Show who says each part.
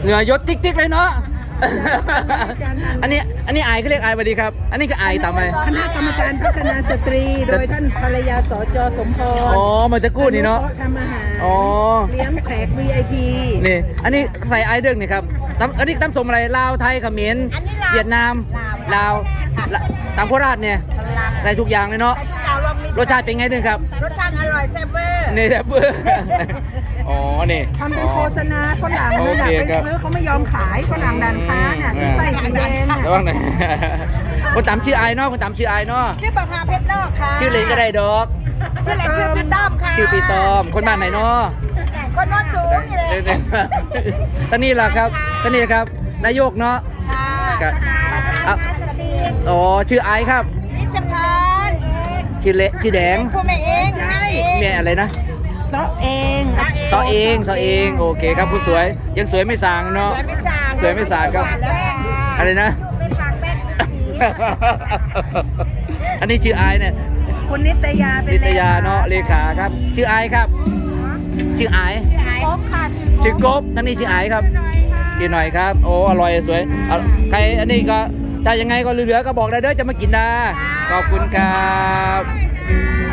Speaker 1: เหงื่อยดติ๊กๆเลยเนาะ อันนี้อายก็เรียกอายสวัสดีครับ อันนี้ก็อายตามไป
Speaker 2: คณะกรรมการพัฒนาสตรี โดยท่านภรรยาสจสมพร
Speaker 1: อ๋อมาจะกู้นี่เนาะ
Speaker 2: ทำอาหาร
Speaker 1: อ๋อ
Speaker 2: เลี้ยงแขก VIP
Speaker 1: นี่ อันนี้ใส่ไอเด้งนี่ครับอันนี้ตำสมอะไรลาวไทยเขมรเวียดนามลาวตำโคราชเนี่ยใส่ทุกอย่างเลยเนาะ
Speaker 3: ใส่ทุกอย่างรวมมิตร
Speaker 1: รสชาติเป็นไงนึงครับ
Speaker 3: รสชาติอร่อยแซ่บเวอร์
Speaker 1: นี่แซ่บเบอร์อ๋อ นี่
Speaker 2: ทำเป็นโฆษณาฝรั่ง
Speaker 1: โอ
Speaker 2: เลย
Speaker 1: เค
Speaker 2: นะไป
Speaker 1: ครับ
Speaker 2: ซื้อเขาไม่ยอมขายฝรั่งดันค้าเนี่ยที่ใส่สีแดงเนี่ย
Speaker 1: ระวังหน่อย คนตามชื่อไอเนาะคนตามชื่อไอเนาะ
Speaker 3: ชื่อปะพาเพชรนอกค่ะ
Speaker 1: ชื่อเล่นก็ได้ดอก
Speaker 3: ชื่อเล่นชื่อพี่ต้อมค่ะ
Speaker 1: ชื่อปีตอม คนบ้านไหนเนาะ
Speaker 3: คนโนอนสูงอยู่เลย
Speaker 1: ตอนนี้ล่ะครับตอนนี้ครับ นายกเนาะ
Speaker 3: ค่ะ
Speaker 1: ครับ
Speaker 3: ประธานสดี
Speaker 1: อ๋อ ชื่อไอครับ
Speaker 3: นิจพร
Speaker 1: ชื่อเละชื่อแดง
Speaker 3: พ่อแม่เองใช่
Speaker 1: แม่อะไรนะ
Speaker 2: ซอเอง
Speaker 1: ต่อเองต่อเอง โอเคครับผู้สวย ยังสวยไม่สางเนาะ
Speaker 3: สวยไม่สาง
Speaker 1: สวยไม่สางครับ
Speaker 3: แล้ว
Speaker 1: อะไรนะ
Speaker 3: ไม่สางแม่สี
Speaker 1: อันนี้ชื่อไอเนี่ย
Speaker 2: คุณนิตยาเป็น
Speaker 1: นิตยาเนาะเลขาครับ ชื่อไอครับ ชื่อไอ
Speaker 3: โค้กค่ะ
Speaker 1: ชื่อกบทั้งนี้ชื่อไอครับกินหน่อยครับ โอ้อร่อยสวยเอาใครอันนี้ก็ถ้ายังไงก็เหลือๆก็บอกได้เด้อจะมากินได้ขอบคุณครับ